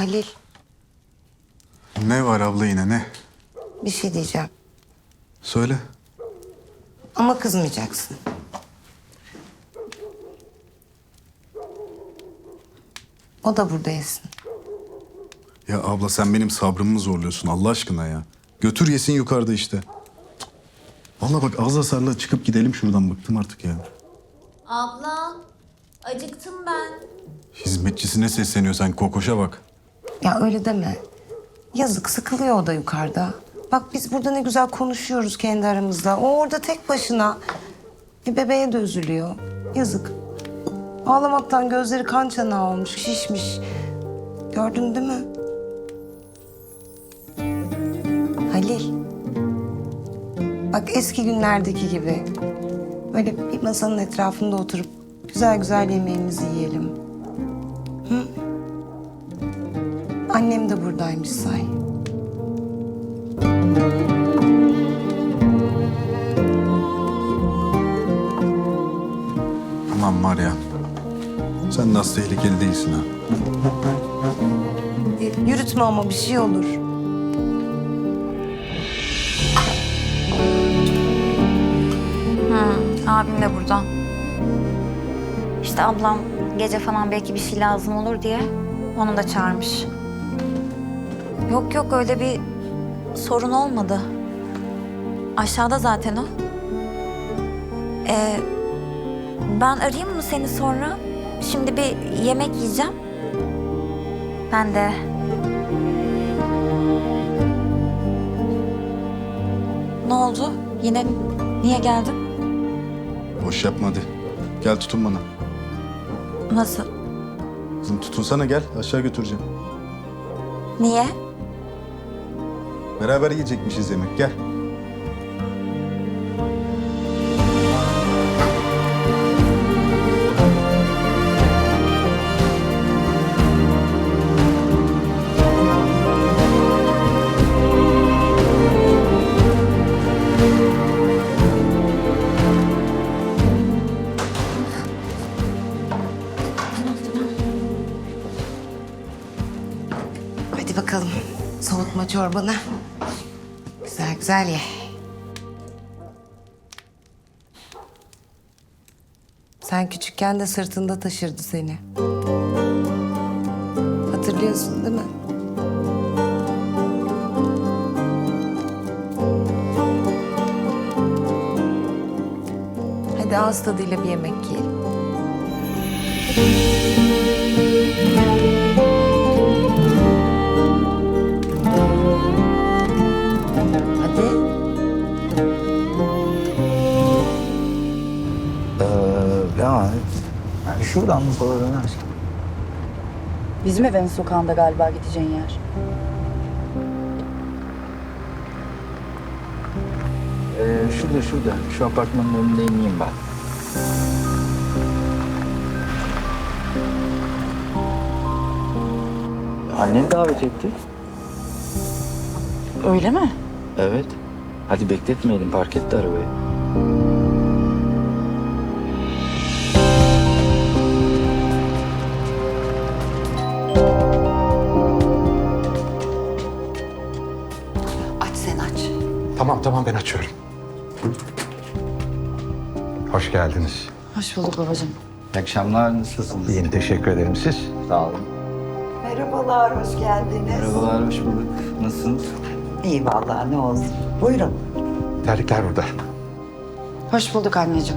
Halil, Ne var abla yine ne? bir şey diyeceğim. Söyle. Ama kızmayacaksın. O da burada yesin. Ya abla sen benim sabrımı mı zorluyorsun Allah aşkına ya? Götür yesin yukarıda işte. Cık. Vallahi bak az hasarla çıkıp gidelim şuradan bıktım artık ya. Abla, acıktım ben. Hizmetçisine sesleniyor sen kokoşa bak. Ya öyle deme. Yazık, sıkılıyor o da yukarıda. Bak biz burada ne güzel konuşuyoruz kendi aramızda. O orada tek başına. Bebeğe de üzülüyor. Yazık. Ağlamaktan gözleri kan çanağı olmuş, şişmiş. Gördün değil mi? Halil. Bak eski günlerdeki gibi. Böyle bir masanın etrafında oturup güzel güzel yemeğimizi yiyelim. Hı? Annem de buradaymış say. Aman var ya. Sen nasıl tehlikeli değilsin ha. Yürütme ama bir şey olur. Abim de burada. İşte ablam gece falan belki bir şey lazım olur diye onu da çağırmış. Yok yok öyle bir sorun olmadı. Aşağıda zaten o. Ben arayayım mı seni sonra? Şimdi bir yemek yiyeceğim. Ben de. Ne oldu? Yine niye geldin? Boş yapma hadi. Gel tutun bana. Nasıl? Kızım tutunsana gel aşağı götüreceğim. Niye? Beraber yiyecekmişiz yemek gel. Hadi bakalım. Soğutma çorbanı. Güzel güzel ye. Sen küçükken de sırtında taşırdı seni. Hatırlıyorsun değil mi? Hadi ağız tadıyla bir yemek yiyelim. Hadi. Yani şuradan mı sola dönersin? Bizim evin sokağında galiba gideceğin yer. Şurada. Şu apartmanın önünde ineyim ben. Annen davet etti. Öyle mi? Evet. Hadi bekletmeyelim, park etti arabayı. Aç sen aç. Tamam ben açıyorum. Hoş geldiniz. Hoş bulduk babacığım. İyi akşamlar, nasılsınız? İyiyim teşekkür ederim siz. Sağ olun. Merhabalar, hoş geldiniz. Merhabalar, hoş bulduk. Nasılsınız? İyi vallahi ne olsun. Buyurun. Terlikler burada. Hoş bulduk anneciğim.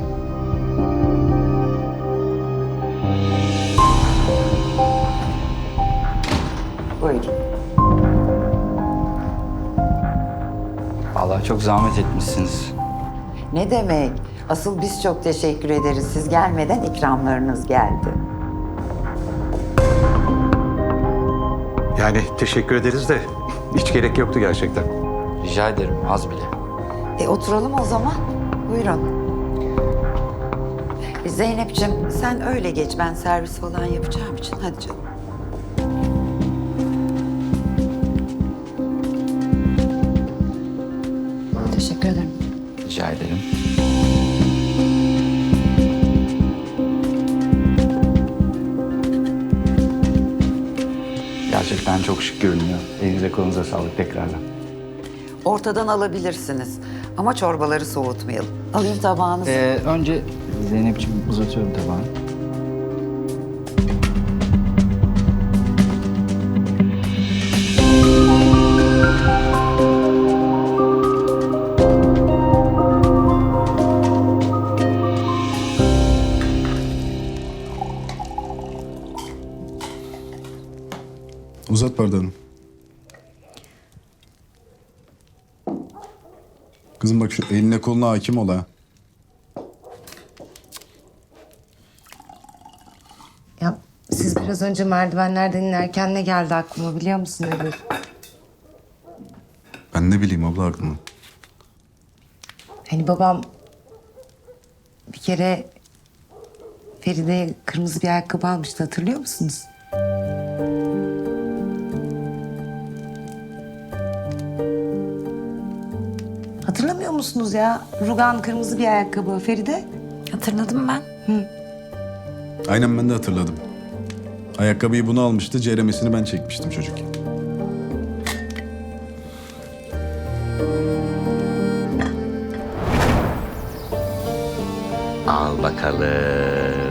Buyurun. Vallahi çok zahmet etmişsiniz. Ne demek? Asıl biz çok teşekkür ederiz. Siz gelmeden ikramlarınız geldi. Yani teşekkür ederiz de hiç gerek yoktu gerçekten. Rica ederim, az bile. Oturalım o zaman. Buyurun. Zeynep'ciğim sen öyle geç. Ben servis falan yapacağım için. Hadi canım. Teşekkür ederim. Rica ederim. Gerçekten Gerçekten çok şık görünüyor. Elinize kolunuza sağlık tekrardan. Ortadan alabilirsiniz. Ama çorbaları soğutmayalım. Alayım tabağınızı. Önce Zeynep'ciğim uzatıyorum tabağını. Uzat bardağını. Kızım bak şu eline koluna hakim ol ha. Ya siz biraz önce merdivenlerden inerken ne geldi aklıma biliyor musun Ebru? Ben ne bileyim abla aklını. Hani babam bir kere Feride'ye kırmızı bir ayakkabı almıştı, hatırlıyor musunuz? Hatırlamıyor musunuz ya? Rugan kırmızı bir ayakkabı Feride. Hatırladım ben. Aynen ben de hatırladım. Ayakkabıyı bunu almıştı, ceremesini ben çekmiştim çocuk. Al bakalım.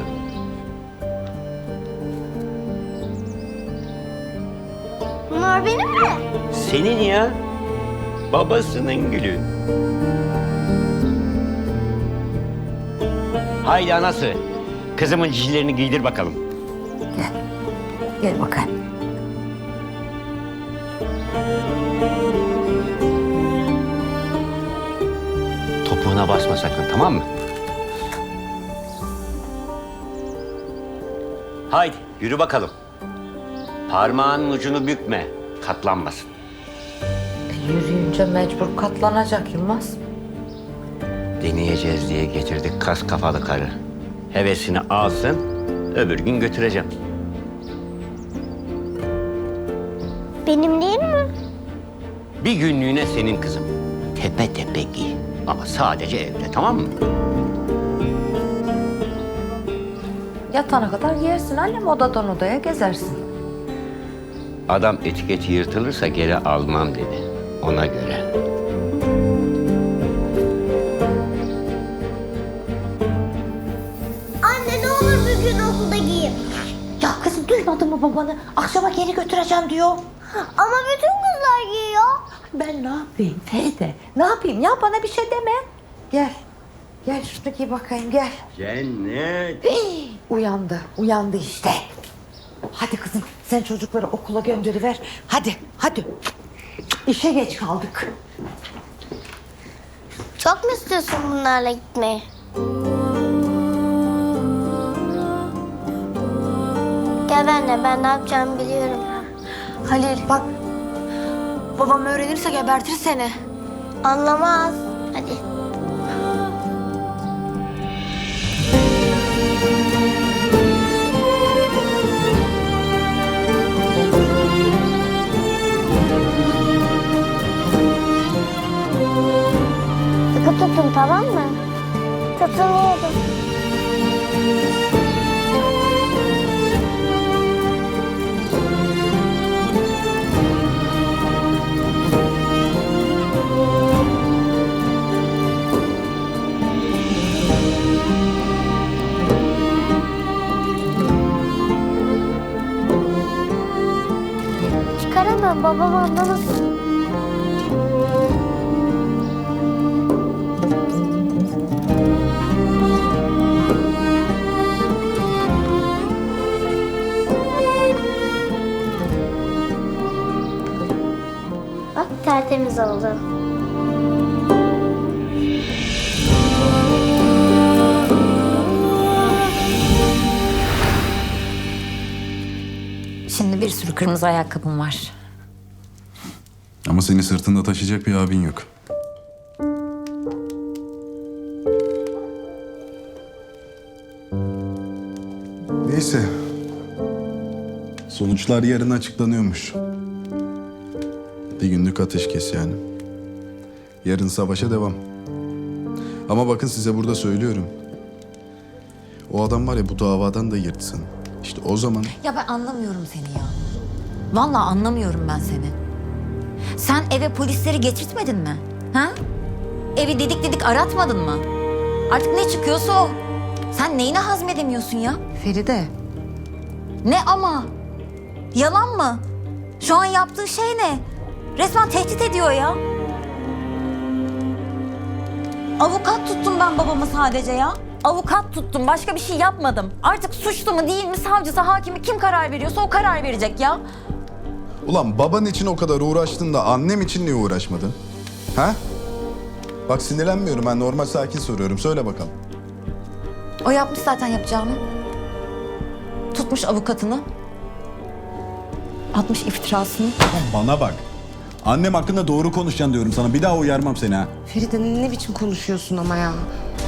Bunlar benim mi? Senin ya. Babasının gülü. Haydi anası. Kızımın cicilerini giydir bakalım. Gel bakalım. Topuğuna basma sakın, tamam mı? Haydi yürü bakalım. Parmağının ucunu bükme. Katlanmasın. Yürüyünce mecbur katlanacak Yılmaz. Deneyeceğiz diye getirdik kas kafalı karı. Hevesini alsın, öbür gün götüreceğim. Benim değil mi? Bir günlüğüne senin kızım. Tepe tepe giy. Ama sadece evde, tamam mı? Yatana kadar giyersin annem, odadan odaya gezersin. Adam etiketi yırtılırsa geri almam dedi. Ona göre. Anne ne olur bir gün okulda giyeyim. Ya kızım duymadın mı babanı? Akşama geri götüreceğim diyor. Ama bütün kızlar giyiyor. Ben ne yapayım Feride? Ne yapayım ya, bana bir şey deme. Gel. Gel şunu giy bakayım, gel. Cennet. Uyandı işte. Hadi kızım sen çocukları okula gönderiver. Hadi. İşe geç kaldık. Çok mu istiyorsun bunlarla gitmeyi? Gel benimle, ben ne yapacağımı biliyorum. Halil bak, babam öğrenirse gebertir seni. Anlamaz. Hadi. Sıkı tutun, tamam mı? Tutunuyorum. Çıkaramam, babam anlamasın. Bak tertemiz oldu. Şimdi bir sürü kırmızı ayakkabım var. Ama seni sırtında taşıyacak bir abin yok. Neyse. Sonuçlar yarın açıklanıyormuş. Bir günlük ateşkes yani. Yarın savaşa devam. Ama bakın size burada söylüyorum. O adam var ya, bu davadan da yırtsın. İşte o zaman Ya ben anlamıyorum seni ya. Vallahi anlamıyorum ben seni. Sen eve polisleri getirtmedin mi? Ha? Evi didik didik aratmadın mı? Artık ne çıkıyorsa o. Sen neyini hazmedemiyorsun ya? Feride, Ne ama? Yalan mı? Şu an yaptığı şey ne? Resmen tehdit ediyor ya. Avukat tuttum ben babamı sadece ya. Avukat tuttum. Başka bir şey yapmadım. Artık suçlu mu değil mi savcısı, hakimi kim karar veriyorsa o karar verecek ya. Ulan baban için o kadar uğraştın da annem için niye uğraşmadın? Ha? Bak sinirlenmiyorum, ben normal sakin soruyorum. Söyle bakalım. O yapmış zaten yapacağını. Tutmuş avukatını. Atmış iftirasını. Bana bak. Annem hakkında doğru konuşacaksın diyorum sana. Bir daha uyarmam seni ha. Feride ne biçim konuşuyorsun ama ya?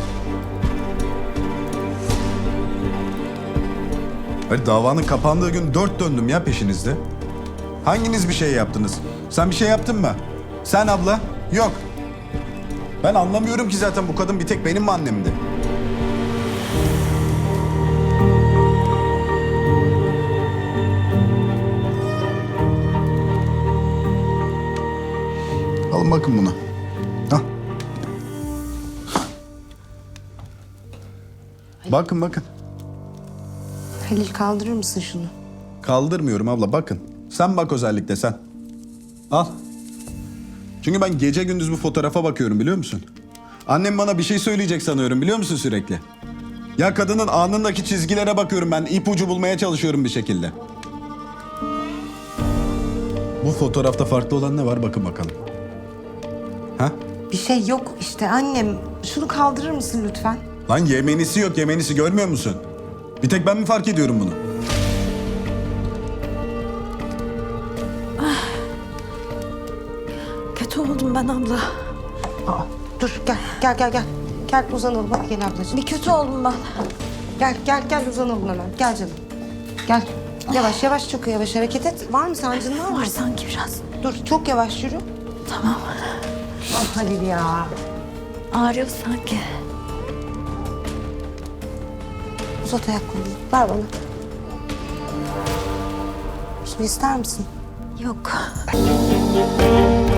Hayır, davanın kapandığı gün 4 döndüm ya peşinizde. Hanginiz bir şey yaptınız? Sen bir şey yaptın mı? Sen abla? Yok. Ben anlamıyorum ki zaten bu kadın bir tek benim mi annemdi? Alın bakın buna. Al. Bakın bakın. Halil kaldırır mısın şunu? Kaldırmıyorum abla, bakın. Sen bak özellikle sen. Al. Çünkü ben gece gündüz bu fotoğrafa bakıyorum, biliyor musun? Annem bana bir şey söyleyecek sanıyorum, biliyor musun, sürekli? Ya kadının alnındaki çizgilere bakıyorum ben, ipucu bulmaya çalışıyorum bir şekilde. Bu fotoğrafta farklı olan ne var, bakın bakalım. Ha? Bir şey yok işte annem. Şunu kaldırır mısın lütfen? Lan yemenisi yok, yemenisi, görmüyor musun? Bir tek ben mi fark ediyorum bunu? Kötü oldum ben abla. Aa, dur gel. Gel uzanalım hadi gel ablacığım. Bir kötü oldum ben. Gel uzanalım hemen. Gel canım. Gel. Yavaş çok yavaş hareket et. Var mı sancın var mı? Var sanki biraz. Dur çok yavaş yürü. Tamam. Ah Halil ya. Ağrıyor sanki. Uzat ayaklarını. Ver bana. Şimdi ister misin? Yok.